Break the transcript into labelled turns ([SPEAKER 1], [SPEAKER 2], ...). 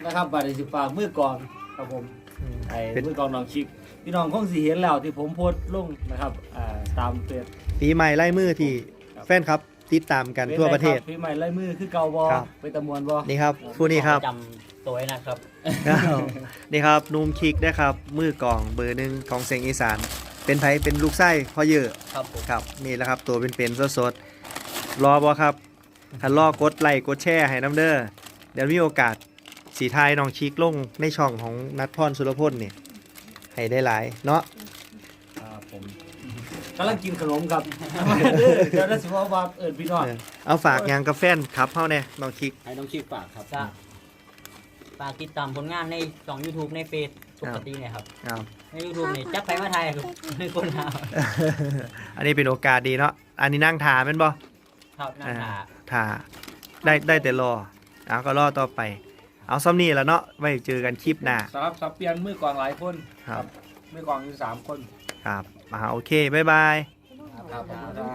[SPEAKER 1] นะครับบาดสิฝากมือกองครับผมไอ้มือกองน้องชิกพี่น้องคงสิเห็นแล้วที่ผมโพสต์ลงนะครับตามเฟซ
[SPEAKER 2] ปีใหม่ไล่มือที่แฟนครับติดตามกันทั่วประเทศ
[SPEAKER 1] พี่ใหม่ไล่มือคือเก่าบอ
[SPEAKER 2] ครับ
[SPEAKER 1] ไปตะมวนบอ
[SPEAKER 2] นี่ครับผู้นี้ครับ
[SPEAKER 3] จำตัวไว้นะครับ
[SPEAKER 2] นี่ครับนุ่มคิกนะครับมือกลองเบอร์หนึ่งของเสียงอีสานเป็นไผเป็นลูกไส้พ่อเยอะ
[SPEAKER 3] ครับผม
[SPEAKER 2] ครับนี่แหละครับตัวเป็นๆสดๆรอบอครับถ้ารอกดไลค์กดแชร์ให้น้ำเด้อเดี๋ยวมีโอกาสสีทายน้องชิกลงในช่องของนัทพรสุรพลเนี่ยให้ได้หลายเนาะ
[SPEAKER 1] ครับผมกำลังกินขนมครับเดี๋ยวได้สิว่าพี่น้อง
[SPEAKER 2] เอาฝากยางกาแฟนครับเฮาเนี่ยน้องชิก
[SPEAKER 4] ให้น้องชิกฝากครับ
[SPEAKER 3] ก็ฝากติดตามผลงานในช่อง YouTube ในเฟซปกติเนี่ยครับ
[SPEAKER 2] ครับ
[SPEAKER 3] ใน YouTube นี่จับไปมาไทยครับในคนหา
[SPEAKER 2] อันนี้เป็นโอกาสดีเนาะอันนี้นั่งทาแม่นบ่
[SPEAKER 3] ครับนั่นหา
[SPEAKER 2] ทาได้แต่รอเอาก็รอต่อไป เอาซ้ำนี่แล้วเนาะไว้เจอกันคลิปหน้า
[SPEAKER 1] สำหรับสับเปลี่ยนมือกองหลายคน
[SPEAKER 2] ครับ
[SPEAKER 1] มือกองอยู่3 คน
[SPEAKER 2] ครับโอเคบ๊ายบาย
[SPEAKER 1] ครับ